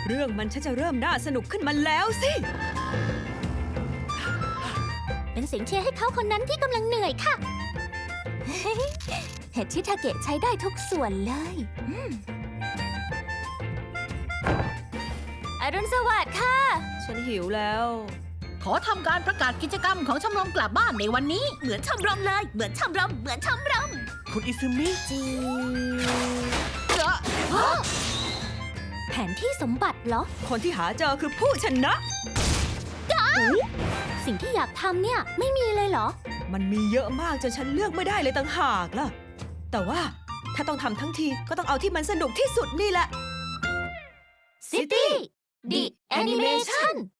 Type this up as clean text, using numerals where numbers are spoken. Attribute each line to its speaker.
Speaker 1: เรื่องมันจะเริ่มน่าสนุกขึ้นมาแล้วสิ
Speaker 2: เป็นเสียงเชียร์ให้เขาคนนั้นที่กำลังเหนื่อยค่ะ เห็ดชิทาเกะใช้ได้ทุกส่วนเลยอรุณสวัสดิ์ค่ะ
Speaker 1: ฉันหิวแล้ว
Speaker 3: ขอทำการประกาศกิจกรรมของชมรมกลับบ้านในวันนี้
Speaker 2: เหมือนชมรมเลย เหมือนชมรม เหมือนชมรม
Speaker 4: คุณอิซึมิ
Speaker 2: จีแผนที่สมบัติเหรอ
Speaker 1: คนที่หาเจอคือผู้ชนะ
Speaker 2: สิ่งที่อยากทำเนี่ยไม่มีเลยเหรอ
Speaker 1: มันมีเยอะมากจนฉันเลือกไม่ได้เลยต่างหากล่ะ แต่ว่าถ้าต้องทำทั้งทีก็ต้องเอาที่มันสนุกที่สุดนี่แหละ
Speaker 2: City The Animation